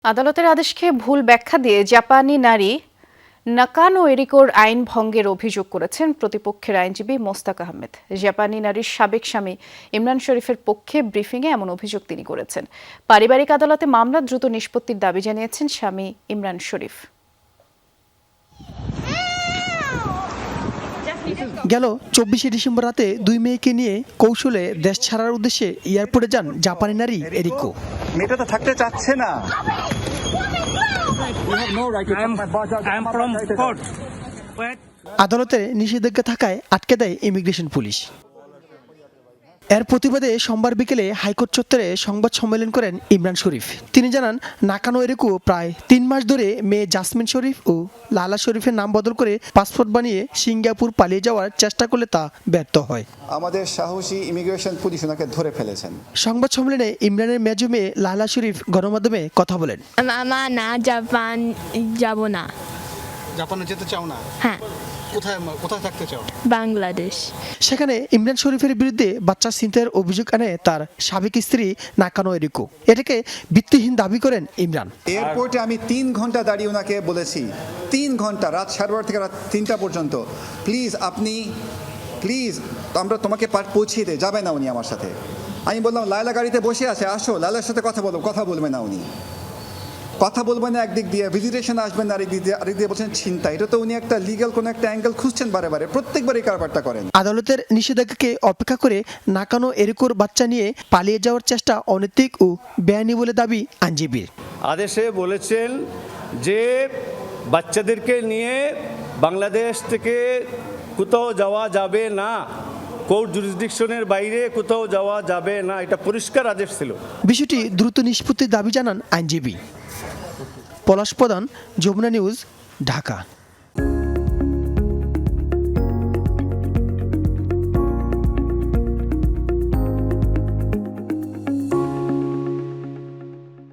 আদালতের আদেশকে ভুল ব্যাখ্যা দিয়ে জাপানি নারী নাকানো এরিকোর আইন ভঙ্গের অভিযোগ করেছেন প্রতিপক্ষের আইনজীবী মোস্তাক আহমেদ। জাপানি নারীর সাবেক স্বামী ইমরান শরীফের পক্ষে ব্রিফিংয়ে এমন অভিযোগ তিনি করেছেন। পারিবারিক আদালতে মামলা দ্রুত নিষ্পত্তির দাবি জানিয়েছেন স্বামী ইমরান শরীফ। গেল ২৪শে ডিসেম্বর রাতে দুই মেয়েকে নিয়ে কৌশলে দেশ ছাড়ার উদ্দেশ্যে এয়ারপোর্টে যান জাপানি নারী এরিকো। মেয়েটা তো থাকতে চাচ্ছে না। আদালতের নিষেধাজ্ঞা থাকায় আটকে দেয় ইমিগ্রেশন পুলিশ। এর প্রতিবাদে সোমবার বিকেলে হাইকোর্ট চত্বরে সংবাদ সম্মেলন করেন ইমরান শরীফ। তিনি জানান, নাকানো এরিকো প্রায় ৩ মাস ধরে মেয়ে জাসমিন শরীফ ও লালা শরীফের নাম বদল করে পাসপোর্ট বানিয়ে সিঙ্গাপুর পালিয়ে যাওয়ার চেষ্টা করলে তা ব্যর্থ হয়। আমাদের সাহসী ইমিগ্রেশন পুলিশ ওনাকে ধরে ফেলেছেন। সংবাদ সম্মেলনে ইমরানের মেজো মেয়ে লালা শরীফ গণমাধ্যমে কথা বলেন। মামা না, জাপান যাব না। জাপানে যেতে চাও না? হ্যাঁ। কোথায় থাকতে চাও? বাংলাদেশ। সেখানে ইমরান শরীফের বিরুদ্ধে বাচ্চা ছিনতাইয়ের অভিযোগ আনে তার সাবেক স্ত্রী নাকানো এরিকো। এটাকে ভিত্তিহীন দাবি করেন ইমরান। এয়ারপোর্টে আমি ৩ ঘন্টা দাঁড়িয়ে ওনাকে বলেছি, ৩ ঘন্টা, রাত 12:30 থেকে রাত 3টা পর্যন্ত, প্লিজ আমরা তোমাকে পৌঁছিয়ে দে, যাবে না উনি আমার সাথে। আমি বললাম, লায়লা গাড়িতে বসে আছে, আসো লায়লার সাথে কথা বলবে না উনি, কথা বলবেন না একদিক দিয়ে, ভিজিটেশন আসবেন না আরেক দিয়ে বলছেন চিন্তা। এটা তো উনি একটা লিগ্যাল কোনো একটা অ্যাঙ্গেল খুঁজছেন বারে প্রত্যেকবার এই কারবারটা করেন। আদালতের নিষেধাজ্ঞাকে অপেক্ষা করে নাকানো এরিকোর বাচ্চা নিয়ে পালিয়ে যাওয়ার চেষ্টা অনৈতিক ও বেআইনি বলে দাবি আইনজীবীর। আদেশে বলেছেন যে বাচ্চাদেরকে নিয়ে বাংলাদেশ থেকে কোথাও যাওয়া যাবে না, কোর্ট জুরিসডিকশনের বাইরে কোথাও যাওয়া যাবে না, এটা পরিষ্কার আদেশ ছিল। বিষয়টি দ্রুত নিষ্পত্তির দাবি জানান আইনজীবী। পলাশ প্রধান, যমুনা নিউজ, ঢাকা।